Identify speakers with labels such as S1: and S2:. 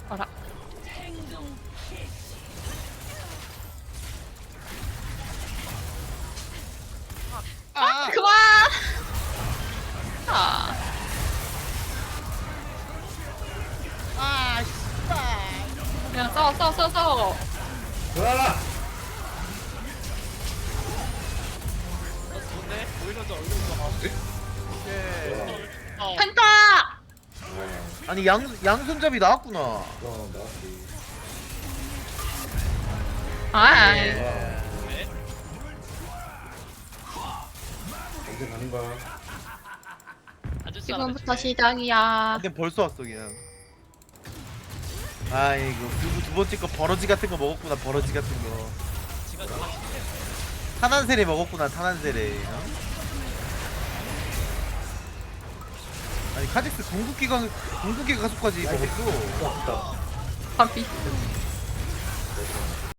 S1: 어라.
S2: 아!
S1: 그만. 아.
S2: 아, 씨발!
S1: 그냥 싸워.
S3: 으아!
S2: 좋네? 오히려 더 얼굴 예.
S1: 펜타.
S2: 아니, 양손잡이 나왔구나.
S3: 나왔지.
S1: 아.
S2: 예.
S3: 언제 가는 거야?
S1: 지금부터 시작이야.
S2: 근데 벌써 왔어, 그냥. 아이고, 그리고 두 번째 거 버러지 같은 거 먹었구나, 버러지 같은 거. 탄환세례 먹었구나, 탄환세례. 어? 아니, 카직스 궁극기 가속까지 먹었어.
S3: 왔다.
S1: 바비.